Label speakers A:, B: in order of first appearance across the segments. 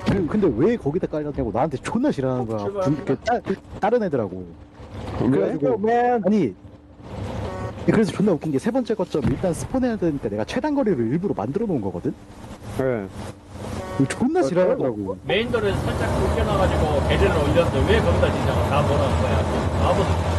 A: 근데 왜 거기다 깔렸냐고 나한테 존나 싫어하는 거야. 다른 애들하고. 그래가지고 아니 그래서 존나 웃긴 게 세 번째 거점 일단 스폰해야 되니까 내가 최단 거리를 일부러 만들어 놓은 거거든.
B: 네.
A: 이거 존나 싫어하더라고.
C: 메인도를 살짝 굴려놔가지고 계좌를 올렸는데 왜 거기다 지냐고 다 뭐라는 거야. 아무도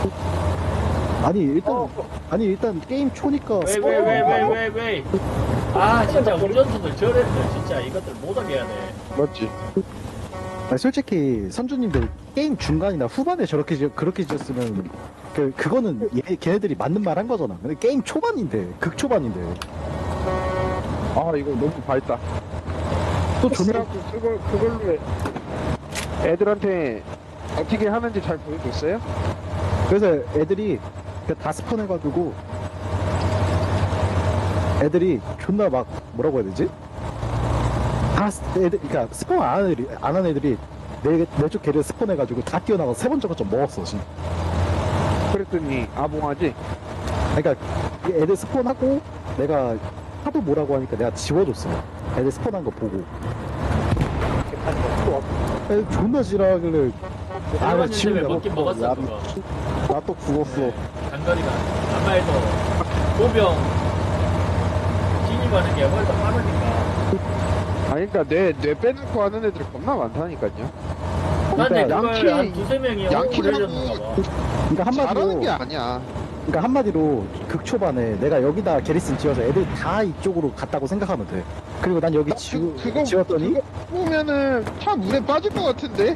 A: 아니 일단 게임 초니까
C: 왜. 아 진짜 운전수들 저래들 진짜 이것들 못하게 해야 돼.
B: 맞지.
A: 아니, 솔직히 선주님들 게임 중간이나 후반에 그렇게 지었으면 그거는 걔네들이 맞는 말 한 거잖아. 근데 게임 초반인데 극초반인데
B: 아 이거 너무 밝다.
A: 또 존나
B: 그걸로 애들한테 어떻게 하는지 잘 보여줬어요?
A: 그래서 애들이 다 스폰해가지고 애들이 존나 막 뭐라고 해야 되지? 그러니까 스폰 안 한 애들이 내 쪽 걔를 스폰해가지고 다 뛰어나가서 세 번째 거점 먹었어 지금.
B: 그랬더니 아봉하지?
A: 그러니까 애들 스폰하고 내가 하도 뭐라고 하니까 내가 지워줬어. 애들 스폰한 거 보고. 애들 존나 지랄하길래
C: 아
A: 지금
C: 지금 먹긴 먹었어 그거.
A: 나 또 죽었어.
C: 장거리가 아마 해도 보병 진입하는 게 훨씬 빠르니까.
B: 아니 그니까 뇌 빼놓고 하는 애들이 겁나 많다니까요.
C: 난데
A: 그러니까
C: 그걸 한 두세 명이 올려줬는가 봐.
A: 그러니까
B: 잘하는 게 아니야.
A: 그러니까 한마디로 극초반에 내가 여기다 게리슨 지어서 애들 다 이쪽으로 갔다고 생각하면 돼. 그리고 난 여기 지웠더니
B: 그거 보면은 차 물에 빠질 것 같은데?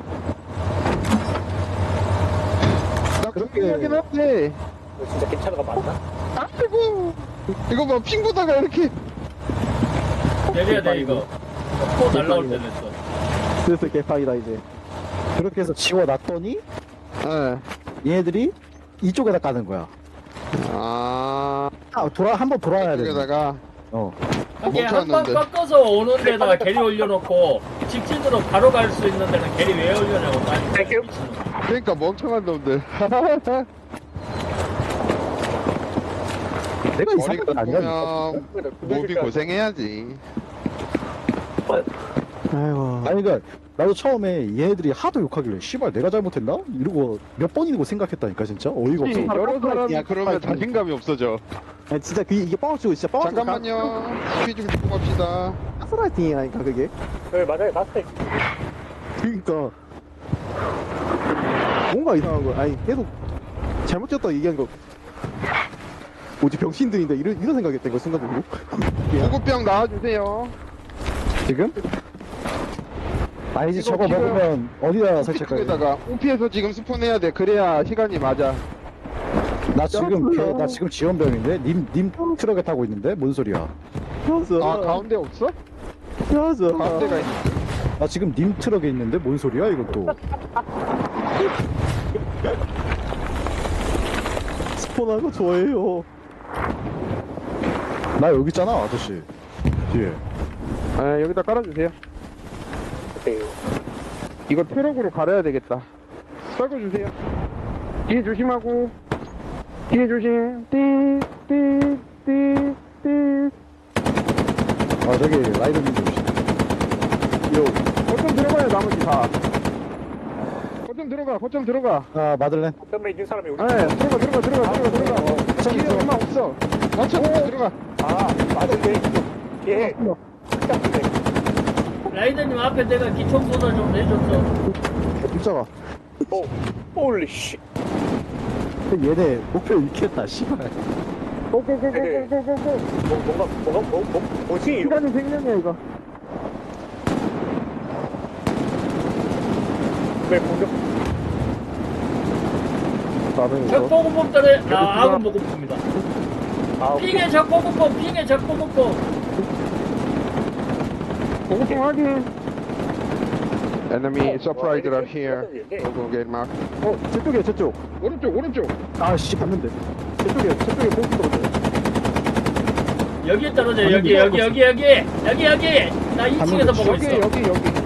B: 나
A: 그렇게-
B: 그렇게 하긴 한데.
C: 진짜 괜찮아가 맞나?
B: 아이고 이거 봐 핑 보다가 이렇게
C: 내려야 돼 이거. 코 날라올 때 됐어.
A: 그래서 개판이다 이제. 그렇게 해서 지워놨더니
B: 예.
A: 얘네들이 이쪽에다 까는 거야. 한번 돌아야 돼.
B: 여기다가
C: 이게 한번
B: 멈춰놨는데.
C: 꺾어서 오는 데다가 게리 올려놓고 직진으로 바로 갈 수 있는 데는 게리 왜 올려냐고. 난 진짜 미친놈.
B: 그러니까 멍청한 놈들.
A: 내가
B: 머리
A: 이상한 건 아니야.
B: 끄면 몸이 고생해야지.
A: 아이고. 아니 그러니까 나도 처음에 얘네들이 하도 욕하길래 씨발 내가 잘못했나? 이러고 몇 번이고 생각했다니까 진짜 어이가 없어.
B: 여러 사람이 그러면 자신감이 없어져.
A: 아니 진짜 이게 뻥치고 진짜 뻥치고
B: 잠깐만요. 스피 좀 주고 갑시다.
A: 가스라이팅이라니까 그게.
C: 네 맞아요 맞아요.
A: 그러니까 뭔가 이상한 거. 아니 계속 잘못 지었다 얘기한 거. 뭐지 병신들인데 이런 생각했던 거 순간적으로.
B: 구급병 나와주세요.
A: 지금? 아니지
B: 이거
A: 저거
B: 지금
A: 먹으면 어디다 설치할까?
B: 오피에다가 오피에서 지금 스폰해야 돼. 그래야 시간이 맞아.
A: 나 지금 지원병인데 님 트럭에 타고 있는데 뭔 소리야?
B: 아 가운데 없어? 가운데가 있.
A: 나 지금 님 트럭에 있는데 뭔 소리야 이것도? 스폰하는 거 좋아해요. 나 여기 있잖아 아저씨 뒤에.
B: 아 여기다 깔아주세요. 이거 트럭으로 갈아야 되겠다. 썰어주세요. 뒤에 조심하고. 뒤에 조심. 띠.
A: 아 저기 라이더님도 오시.
B: 요. 거점 들어가요 나머지 다. 거점 들어가.
A: 아 마들렌.
C: 때문에 있는 사람이 우리.
B: 네 들어가.
A: 저기
B: 뒤에 얼마 없어. 거점 들어가.
C: 아 맞은데. 예. 라이더님 앞에 내가 기총소다 좀 내줬어.
A: 숫자가.
C: 홀리 씨.
A: 얘네 목표 잃겠다 씨발.
B: 고고고고고고고.
C: 뭐지?
B: 시간이 생명이야 이거.
C: 왜 공격?
A: 나는 이거
C: 적보급법들의 아군 보급입니다. 핑의 적보급법,
B: 고고고 확인. Enemy surprised are here. Go get mark.
A: 저쪽이야 저쪽.
B: 오른쪽.
A: 아씨 봤는데. 저쪽에 보급 떨어져.
C: 여기에 떨어져. 여기. 나 2층에서 보고 있어.
B: 여기.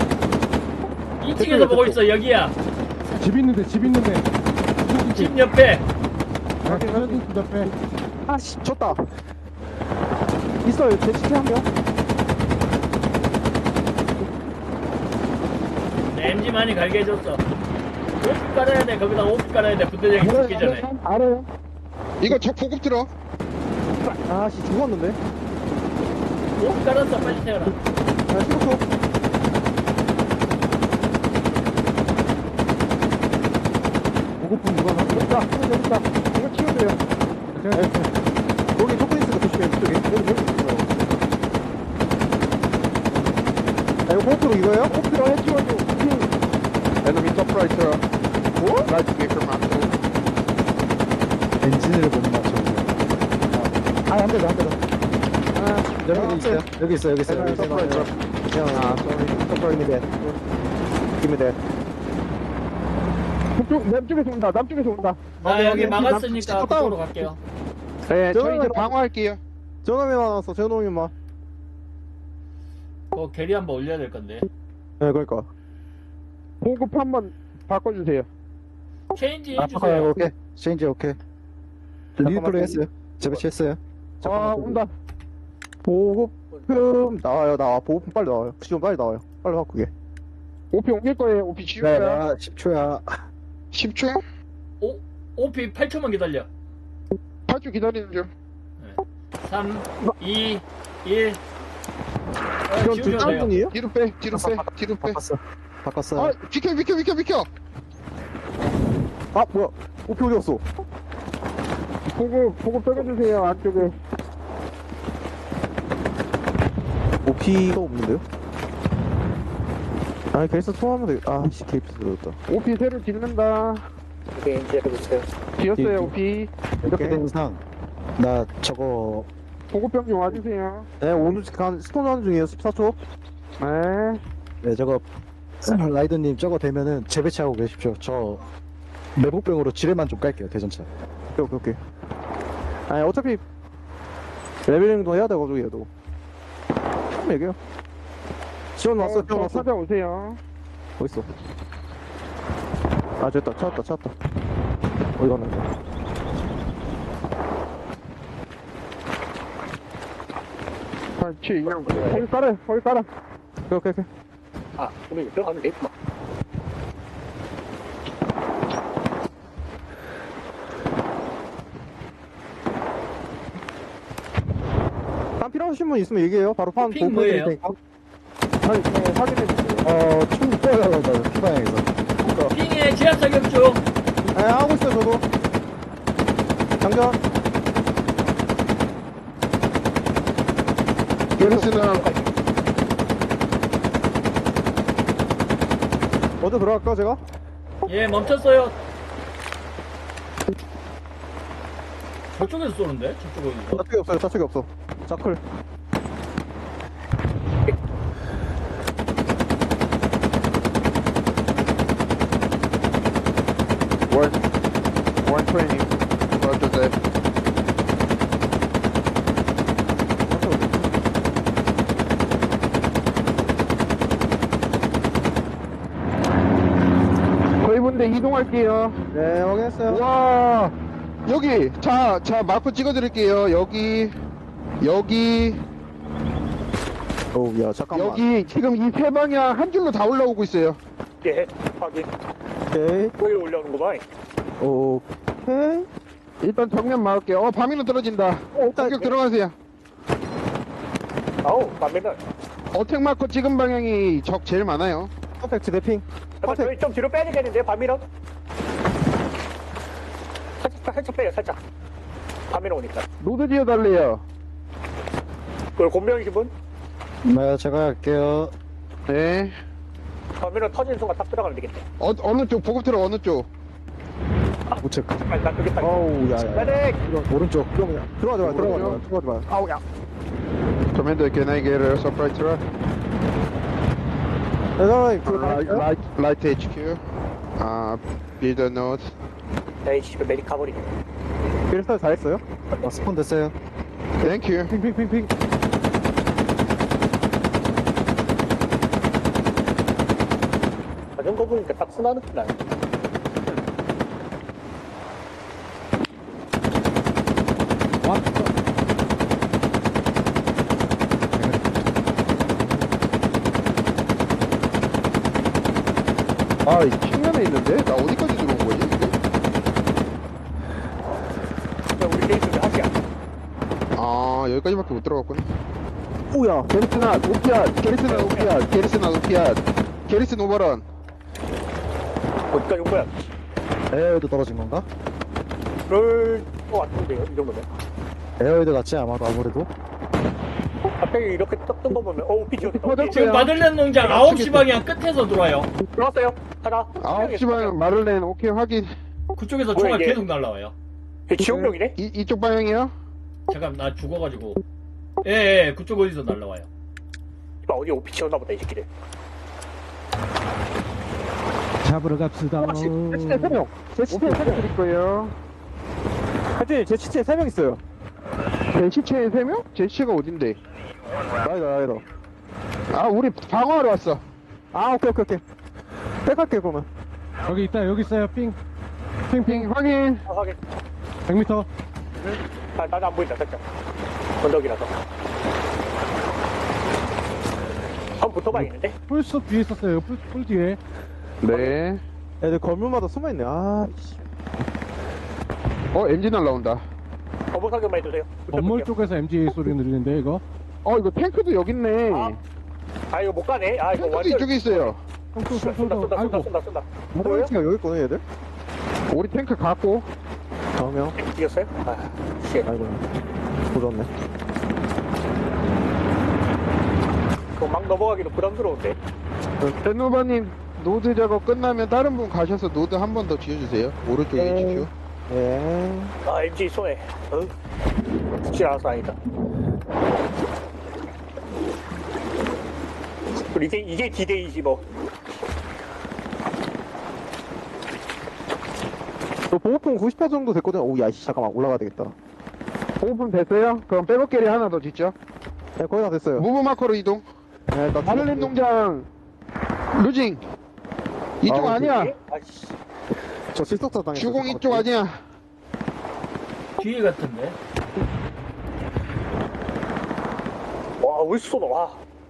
C: 2층에서 보고 있어. 여기야.
A: 집 있는데.
C: 집 옆에.
A: 집 옆에. 아씨 졌다. 있어요 제 시체 한 명.
C: MG 많이 갈게 해줬어. 오피 깔아야 돼. 거기다 오피 깔아야 돼. 부대장이 죽기 전에.
D: 알아요.
B: 이거 적 보급 들어.
D: 아씨 죽었는데.
C: 오피 깔았어. 빨리 태워라.
D: 아 죽었어. 보고품 누가 나? 여기 있다. 이거 치워줘요. 거기 초콜릿가 조심해. 이쪽에. 여기 있어. 아, 이거 보고품 이거예요? 보고품 해치워줘.
B: Enemy top right 들어. Right speaker 맞고.
A: 엔진을 못 맞춰. 한 대 더, 한 대 더. 여기 있어요. 여기 있어요. 여기 있어요. 여기 있어요.
D: 아, sorry, me that. Give me that. 남쪽에서 온다. 남쪽에서 온다.
C: 나 여기 막았으니까
D: 남쪽
C: 그쪽으로 갈게요.
B: 네, 저희 이제
D: 저는
B: 방어할게요.
D: 전화면 나왔어. 전화면만.
C: 게리 한번 올려야 될 건데.
D: 네, 그러니까. 보급 한번 바꿔주세요.
C: 체인지
A: 아,
C: 해주세요.
A: 오케이. 체인지 오케이. 리플레이 했어요. 재배치했어요.
D: 아, 온다. 보급품 나와. 보급품 빨리 나와요. 지금 빨리 나와요. 빨리 바꾸게.
B: 오피 옮길 거예요. 오피 지울
A: 네,
B: 거야.
A: 나 10초야.
B: 10초?
C: 오피 8초만 기다려.
B: 8초 기다리는 중.
C: 3, 2, 1.
D: 그럼
C: 지우셔도 돼요.
D: 뒷장분이에요?
B: 뒤로 빼, 뒤로 빼, 뒤로 빼.
A: 바꿨어.
B: 아, 비켜.
D: 아, 뭐야. 오피 어디 갔어? 보급 빼겨주세요. 안쪽에. 오피가 없는데요? 아니, 그래서 통화하면 되겠다. 아, 씨, 케이프스 들었다.
B: 오피 새로 짓는다.
E: 오케이, 이제 해보세요.
B: 지었어요, 오피.
A: 이렇게 된 이상 나 저거
B: 보급병 좀 와주세요.
D: 네, 오늘 스톤 하는 중이에요. 14초.
B: 네.
A: 네 저거 라이더님 저거 되면은 재배치하고 계십시오. 저 내복병으로 지뢰만 좀 깔게요. 대전차.
D: 오케이. 아니, 어차피 레벨링도 해야 돼가지고, 얘도. 한번 얘기해요. 지원 왔어, 지원 왔어.
B: 찾아오세요.
D: 어딨어? 아, 됐다. 찾았다. 어디 갔나?
B: 그렇지.
D: 거기 깔아. 오케이.
E: 아, 우리 들어가면 되겠구만.
D: 판 필요하신 분 있으면 얘기해요. 바로 판
C: 핑
D: 보여드릴
C: 뭐예요?
D: 테니까. 아니, 확인해주세요.
A: 총 쏘려고 피방향에서.
C: 핑에 제압 사격 중.
D: 네, 하고 있어요, 저도. 장전.
B: 게르스는
D: 먼저 들어갈까, 제가?
C: 예, 멈췄어요. 저쪽에서 쏘는데? 저쪽에서.
D: 좌측이 없어. 자클.
B: 원 트레이닝. Roger that. 저희 분대 이동할게요.
D: 네, 확인했어요.
B: 와, 여기. 자, 마크 찍어드릴게요. 여기.
D: 어우, 야, 잠깐만.
B: 여기 지금 이 세 방향 한 줄로 다 올라오고 있어요.
E: 예, 확인.
D: 오케이.
E: 거기로 올라오는 거 봐.
D: 오케이.
B: 일단 정면 막을게요. 밤이는 떨어진다. 공격 들어가세요.
E: 아우, 반면은.
B: 어택 마크 찍은 방향이 적 제일 많아요.
D: 퍼펙트 대핑.
E: 잠깐, 저희 좀 뒤로 빼야 되겠는데, 밤이랑? 살짝 빼요, 살짝. 밤이랑 오니까.
B: 노드 지어달래요.
E: 그걸 곤병이신 분?
A: 네 제가 할게요.
B: 네.
E: 밤이랑 터진 순간 딱 들어가면 되겠네.
B: 어느 쪽? 보급 들어 어느 쪽?
A: 우측
E: 아니, 나 그게 딱.
D: 어우, 야.
E: 메딕!
A: 오른쪽.
D: 들어가지 마.
E: 아우, 야.
B: Commander, can I get a supply truck?
D: 대단히 그거 다
B: Light HQ. Build a note.
E: 에이, 씨발, 메딕 가버리네.
D: 필살 다 했어요?
A: 스폰 됐어요.
B: Thank you.
D: 핑.
E: 자전거 보니까 딱 순하는 편 나네.
B: 아, 이 측면에 있는데? 나 어디까지 들어온 거지? 이게?
E: 야, 우리 게이트 하시야.
B: 아, 여기까지밖에 못 들어갔구나.
D: 오야.
B: 게리스나, 오피앗! 게리스나, 오피앗! 게리스나, 오피앗! 게리스 오버런!
E: 어디까지 온 거야?
A: 에어웨이드 떨어진 건가?
E: 그럴 것 같은데요, 이 정도면.
A: 에어웨이드 같지 아마도 아무래도.
E: 갑자기 이렇게 떴던 거 보면, 오피지 어디
B: 터졌어요.
C: 지금 마들렌 농장 9시 방향 끝에서 들어와요.
E: 들어왔어요. 하나.
B: 9시 방향 마를렌, 오케이, 확인.
C: 그쪽에서
E: 뭐야,
C: 총알
E: 이게?
C: 계속 날라와요.
E: 지옥명이네?
B: 이쪽 방향이요?
C: 잠깐 나 죽어가지고. 예, 그쪽 어디서 날라와요.
E: 이봐, 어디 오피지였나 보다, 이 새끼들.
D: 잡으러 갑시다. 제 시체 3명. 제 시체 3명.
B: 드릴 거예요.
D: 하여튼 제 시체 3명 있어요.
B: 제 시체에 3명? 제 시체가 어딘데?
D: 나이다.
B: 아, 우리 방어하러 왔어.
D: 아, 오케이. 백할게 그러면.
F: 여기 있다 여기 있어요 핑
B: 핑, 확인.
E: 아, 확인.
F: 100m
E: 아, 나는 안 보인다, 살짝. 언덕이라서. 한번 붙어봐야겠는데?
F: 풀숲 뒤에 있었어요 풀 뒤에
B: 네.
D: 애들 건물마다 숨어있네. 아, 씨.
B: 엔진 날라온다.
E: 어머 사격만 해주세요.
F: 건물
E: 붙어볼게요.
F: 쪽에서 MG 소리 들리는데 이거
B: 이거 탱크도 여기 있네.
E: 아, 이거 못 가네. 아, 이거
B: 탱크도
E: 완전.
B: 이쪽에 있어요.
E: 쏜다.
F: 아이고
D: 뭐야? 여기 있구나 얘들.
B: 우리 탱크 갖고.
D: 4명.
E: 이겼어요? 아, 씨.
D: 아이고. 조졌네.
E: 그거 막 넘어가기도 부담스러운데.
B: 벤노바님, 노드 작업 끝나면 다른 분 가셔서 노드 한 번 더 지어주세요. 오른쪽에 HQ.
D: 예.
E: 아, MG 손해. 죽지 않아서 아니다. 그리고 이게 D-Day지 뭐.
D: 너 보호품 90% 정도 됐거든. 오, 야, 씨, 잠깐만 올라가야 되겠다.
B: 오픈 됐어요? 그럼 백업 게리 하나 더 짓죠.
D: 네, 거의 다 됐어요.
B: 무브 마커로 이동.
D: 네, 나
B: 마를렌 농장. 루징. 이쪽
D: 아,
B: 아니야.
E: 아씨.
D: 저 실속사 당했어.
B: 주공 이쪽 아니야.
C: 뒤에 같은데.
E: 와, 왜 쏘노? 와.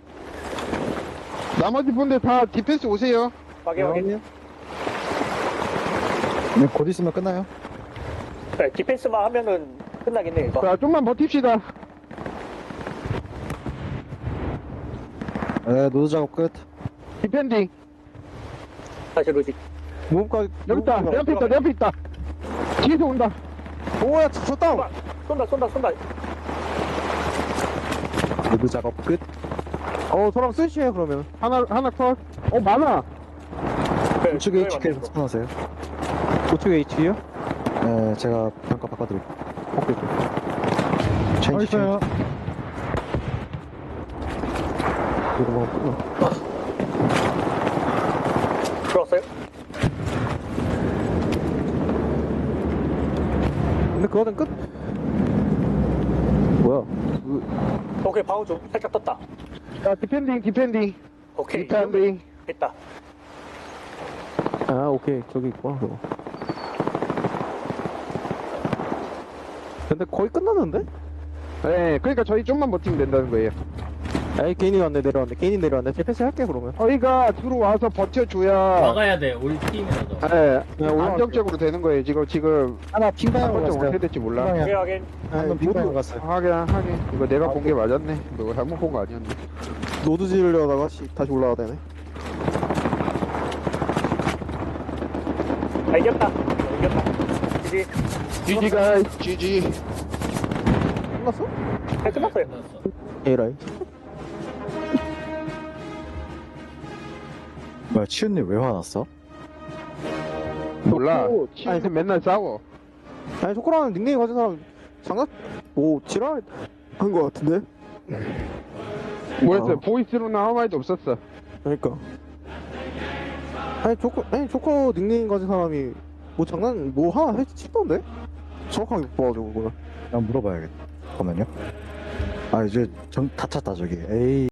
B: 나머지 분들 다 디펜스 오세요.
E: 확인.
A: 네, 곧 있으면 끝나요.
E: 네, 디펜스만 하면은 끝나겠네, 이거.
B: 자, 좀만 버팁시다.
A: 네, 노드 작업 끝.
B: 디펜딩.
E: 다시 로직.
D: 무음까지.
B: 여기 있다. 내 앞에 있다. 내 앞에 있다. 뒤에서 온다.
D: 오야, 저 다운.
E: 쏜다.
A: 노드 작업 끝.
D: 저랑 스위치해 그러면.
B: 하나 컷. 많아.
E: 네,
A: 우측에 HQ에서 스폰하세요.
D: 우측에 H요?
A: 네, 제가 평가 바꿔드릴게요.
D: 오케이.
F: 어
A: 체인지.
F: 있어요
D: 이거 뭐.
E: 들어왔어요?
D: 근데 그거는 끝. 뭐야?
E: 오케이, 방어 좀 살짝 떴다.
B: 자, 디펜딩.
E: 오케이.
B: 디펜딩.
E: 됐다.
D: 아, 오케이. 저기 있구나, 그거. 근데 거의 끝났는데?
B: 네, 그러니까 저희 좀만 버티면 된다는 거예요.
D: 에이, 개인이 내려왔네. 제 패스 할게, 그러면.
B: 저희가 들어와서 버텨줘야
C: 막아야 돼. 우리 팀이라도.
B: 안정적으로 되는 거예요. 지금
A: 하나 핑방향으로
B: 한번좀
A: 갔어요.
B: 어떻게 될지 몰라.
A: 핑방향.
E: 확인.
A: 한번 핑방향으로 갔어요.
B: 하긴. 이거 내가 본 게 맞았네. 너 잘못 본 거 아니었네.
D: 노드 지으려다가 다시 올라가야 되네.
E: 아, 이겼다. 이제
B: GG가 GG.
D: 끝났어?
E: 네, 끝났어요.
C: 끝났어.
D: 에라이.
A: 뭐야, 치훈님 왜 화났어?
B: 몰라.
D: 아니,
B: 치는 맨날 싸워.
D: 아니, 초코라는 닉네임 가진 사람 지랄 한거 같은데?
B: 뭐였어요? 보이스로는 아무 말도 없었어.
D: 그러니까. 아니, 초코 닉네임 가진 사람이 뭐 장난, 뭐 하나 치던데? 정확하게 못 봐가지고, 그걸.
A: 난 물어봐야겠다. 잠깐만요. 아, 이제 다 찼다, 저기. 에이.